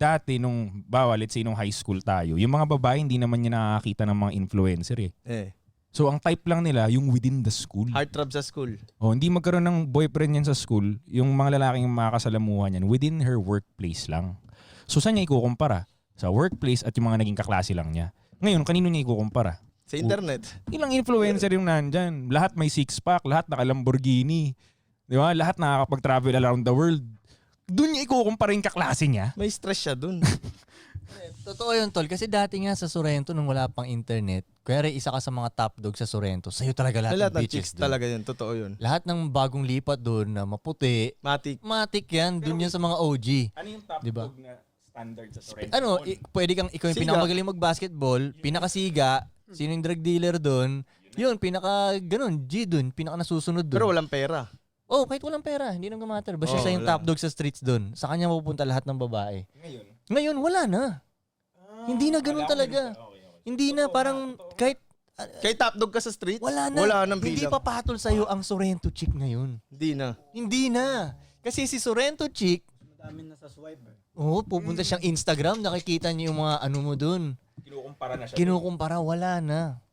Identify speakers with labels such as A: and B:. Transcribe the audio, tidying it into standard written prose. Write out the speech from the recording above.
A: dati nung, let's say nung high school tayo, yung mga babae hindi naman niya nakakita ng mga influencer eh. So ang type lang nila yung within the school.
B: Heartthrob sa school.
A: Hindi magkaroon ng boyfriend yan sa school, yung mga lalaking makakasalamuhan yan within her workplace lang. So saan niya ikukumpara? Sa workplace at yung mga naging kaklase lang niya. Ngayon, kanino niya ikukumpara?
B: Sa internet.
A: Ilang influencer yung nandyan. Lahat may six-pack, lahat naka-Lamborghini. Di ba? Lahat nakakapag-travel around the world. Doon niya ikukumpara yung kaklase niya.
B: May stress siya dun.
C: Totoo yun, tol. Kasi dati nga sa Sorrento nung wala pang internet, kaya isa ka sa mga top dog sa Sorrento, sa'yo talaga lahat
B: Lahat
C: ng
B: ng
C: bitches
B: chicks
C: doon.
B: talaga yun. Totoo yun.
C: Lahat ng bagong lipat doon na maputi,
B: Matik.
C: matik yan. Doon yan sa mga OG.
A: Ano yung top
C: Diba?
A: dog na standard sa Sorrento?
C: Pwede kang ikaw yung
B: Siga.
C: pinakamagaling mag-basketball, pinakasiga, sino yung drug dealer doon, yun, ganun, G doon, pinaka nasusunod doon.
B: Pero walang pera.
C: Oh, kahit walang pera, hindi nang matter. Basta siya yung
B: wala.
C: top dog sa streets doon. Sa kanya mapupunta lahat ng babae.
A: Ngayon?
C: Ngayon, wala na. Hindi na ganun talaga. Hindi na, parang kahit
B: Kay top dog ka sa streets,
C: wala na.
B: wala nang
C: Hindi
B: bilang.
C: pa patol sa'yo ang Sorrento chick ngayon.
B: Hindi na.
C: Hindi na. Kasi si Sorrento chick,
D: Madami na sa swipe.
C: pupunta siyang Instagram, nakikita niyo yung mga ano mo doon.
A: Kinukumpara na siya.
C: Kinukumpara, wala na.